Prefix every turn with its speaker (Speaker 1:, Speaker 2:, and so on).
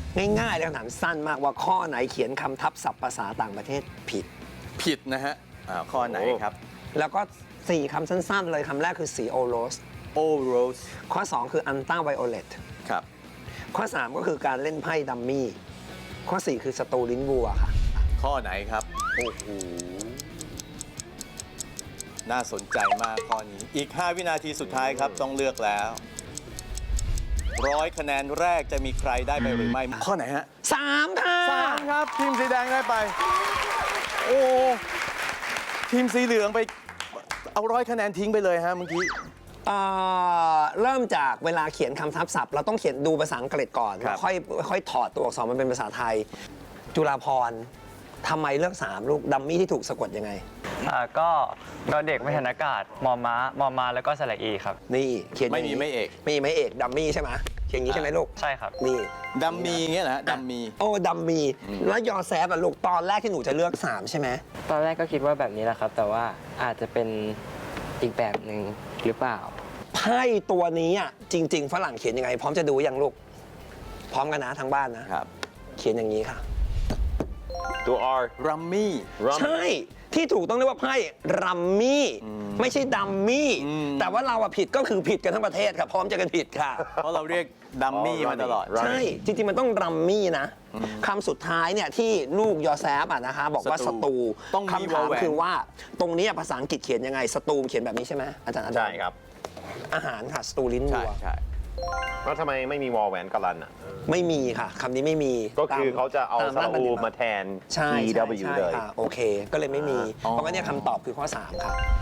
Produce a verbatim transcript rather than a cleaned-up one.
Speaker 1: ง่ายๆเลยคำถามสั้นมากว่าข้อไหนเขียนคำทับศัพท์ภาษาต่างประเทศผิด
Speaker 2: ผิดนะฮะอ่าข้อไหนครับ
Speaker 1: แล้วก็สี่คำสั้นๆเลยคำแรกคือสีโอโรส
Speaker 2: โอโรส
Speaker 1: ข้อสองคืออันต้าไวโอเลต
Speaker 2: ครับ
Speaker 1: ข้อสามก็คือการเล่นไพ่ดัมมี่ข้อสี่คือสตูลิ้นวัวค่ะ
Speaker 2: ข้อไหนครับ โอ้โห น่าสนใจมากข้อนี้ อีก ห้า วินาทีสุดท้ายครับ ต้องเลือกแล้ว ร้อยคะแนนแรกจะมีใครได้ไปหรือไม่ ข้อไหนฮะ
Speaker 1: สามค่ะ
Speaker 2: สามครับ ทีมสีแดงได้ไป โอ้ ทีมสีเหลืองไป เอาร้อยคะแนนทิ้งไปเลยฮะเมื่อกี้
Speaker 1: เอ่อเริ่มจากเวลาเขียนคำทับศัพท์เราต้องเขียนดูภาษาอังกฤษก่อน
Speaker 2: ครับ
Speaker 1: ค่อยค่อยถอดตัวอักษรมันเป็นภาษาไทย จุฬาภรณ์ทำไมเลือกสามลูกดัมมี่ที่ถูกสะกดยังไง
Speaker 3: อ่าก็ดอเด็กไม่หันอากาศมอม้ามอมาแล้วก็สระอีครับ
Speaker 1: นี่เขียนอย่างนี้
Speaker 2: ไม่มีไม่เอก
Speaker 1: ไม่มีไม่เอกดัมมี่ใช่ไหมเขียนอย่างนี้ใช่ไหมลูก
Speaker 3: ใช่ครับ
Speaker 1: นี่
Speaker 2: ดัมมีเงี้ยนะฮะดัมมี
Speaker 1: โอ้ดัมมี่แล้วยอแซฟอะลูกตอนแรกที่หนูจะเลือกสามใช่ไหม
Speaker 4: ตอนแรกก็คิดว่าแบบนี้แหละครับ แต่ว่าอาจจะเป็นอีกแบบหนึ่งหรือเปล่า
Speaker 1: ไพ่ตัวนี้อ่ะจริง ๆ ฝรั่งเขียนยังไง พร้อมจะดูยังลูก พร้อมกันนะทางบ้านนะ
Speaker 2: ครับ
Speaker 1: เขียนอย่างนี้ค่ะ
Speaker 5: ตัว R
Speaker 2: รัมมี่
Speaker 1: ใช่ ที่ถูกต้องเรียกว่าไพ่รัมมี่ไม่ใช่ดัมมี่
Speaker 2: อืม
Speaker 1: แต่ว่าเราอะผิดก็คือผิดกันทั้งประเทศค่ะ พร้อมจะกันผิดค่ะ
Speaker 2: เพราะเราเรียกดัมมี่
Speaker 5: อ๋อ
Speaker 2: มาตลอด
Speaker 5: Rummy
Speaker 1: ใช่ จริง ๆ มันต้องรัมมี่นะคำสุดท้ายเนี่ยที่ลูกยอแซฟอะนะคะบอกว่า
Speaker 2: ส
Speaker 1: ส
Speaker 2: ตู
Speaker 1: ตู
Speaker 2: ต้องมี
Speaker 1: คำถาม
Speaker 2: วอลแหวน
Speaker 1: คือว่าตรงนี้ภาษาอังกฤษเขียนยังไงสตูเขียนแบบนี้ใช่ไหมอาจารย์อาจาร
Speaker 5: ใช่
Speaker 1: ย์
Speaker 5: ครับ
Speaker 1: อาหารค่ะสตูลิ้น
Speaker 2: ใช่
Speaker 1: วัว
Speaker 2: ใช่
Speaker 5: แล้วทำไมไม่มีวอลแหวนกาลันอ่ะ
Speaker 1: ไม่มีค่ะคำนี้ไม่มี
Speaker 5: ก็คือ
Speaker 1: ตม
Speaker 5: เขาจะเอา
Speaker 1: ต
Speaker 5: สระ
Speaker 1: ร
Speaker 5: อู
Speaker 1: บัณฑิต
Speaker 5: มาแทน
Speaker 1: ใช่
Speaker 5: E
Speaker 1: ใช่
Speaker 5: W
Speaker 1: ใช่
Speaker 5: เลย
Speaker 1: ค่ะโอเค ก็เลยไม่มี
Speaker 2: อ๋อ
Speaker 1: เพราะงั้นเนี่ยคำตอบคือข้อสามค่ะ